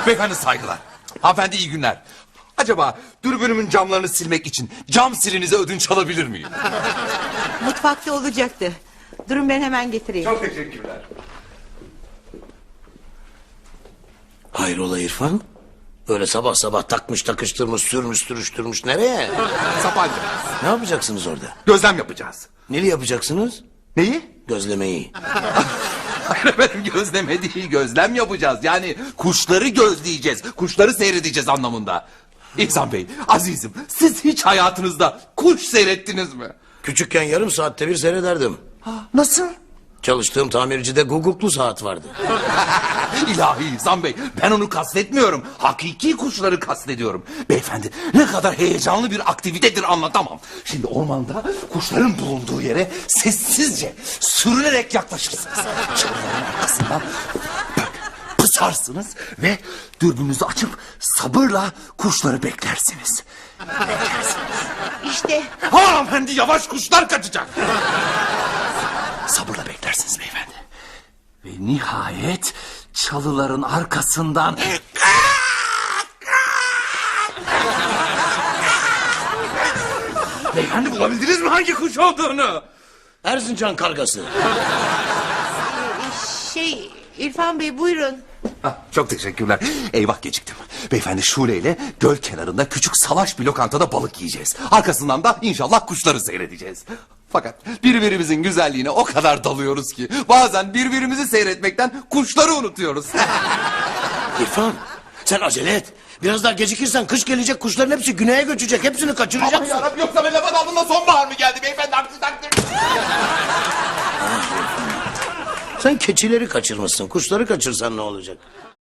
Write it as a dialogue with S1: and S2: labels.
S1: Beyefendi saygılar. Hanımefendi iyi günler. Acaba dürbünümün camlarını silmek için cam silinize ödünç alabilir miyim?
S2: Mutfakta olacaktı. Durun ben hemen getireyim.
S1: Çok teşekkürler.
S3: Hayrola İrfan? Öyle sabah sabah takmış takıştırmış sürmüş sürüştürmüş nereye?
S1: Sapanca.
S3: Ne yapacaksınız orada?
S1: Gözlem yapacağız.
S3: Neli yapacaksınız?
S1: Neyi?
S3: Gözlemeyi.
S1: Hayır efendim, gözleme değil, gözlem yapacağız. Yani kuşları gözleyeceğiz, kuşları seyredeceğiz anlamında. İhsan Bey, azizim, siz hiç hayatınızda kuş seyrettiniz mi?
S3: Küçükken yarım saatte bir seyrederdim.
S1: Nasıl?
S3: Çalıştığım tamircide guguklu saat vardı.
S1: İlahi İhsan Bey, ben onu kastetmiyorum. Hakiki kuşları kastediyorum. Beyefendi, ne kadar heyecanlı bir aktivitedir anlatamam. Şimdi ormanda kuşların bulunduğu yere sessizce sürünerek yaklaşırsınız. Çalıların arkasından böyle pısarsınız ve dürbününüzü açıp sabırla kuşları beklersiniz.
S2: İşte
S1: Hanımefendi, yavaş, kuşlar kaçacak. Sabırla beklersiniz beyefendi. Ve nihayet çalıların arkasından... Beyefendi, bulabildiniz mi hangi kuş olduğunu?
S3: Erzincan kargası.
S2: İrfan Bey buyurun.
S1: Çok teşekkürler. Eyvah, geciktim. Beyefendi, Şule ile göl kenarında küçük salaş bir lokantada balık yiyeceğiz. Arkasından da inşallah kuşları seyredeceğiz. Fakat birbirimizin güzelliğine o kadar dalıyoruz ki bazen birbirimizi seyretmekten kuşları unutuyoruz.
S3: İrfan sen acele et. Biraz daha gecikirsen kış gelecek, kuşların hepsi güneye göçecek. Hepsini
S1: Aman
S3: kaçıracaksın.
S1: yarabbim, yoksa ben lafa daldığımda sonbahar mı geldi beyefendi? Aksi takdirde.
S3: Sen keçileri kaçırmışsın. Kuşları kaçırsan ne olacak?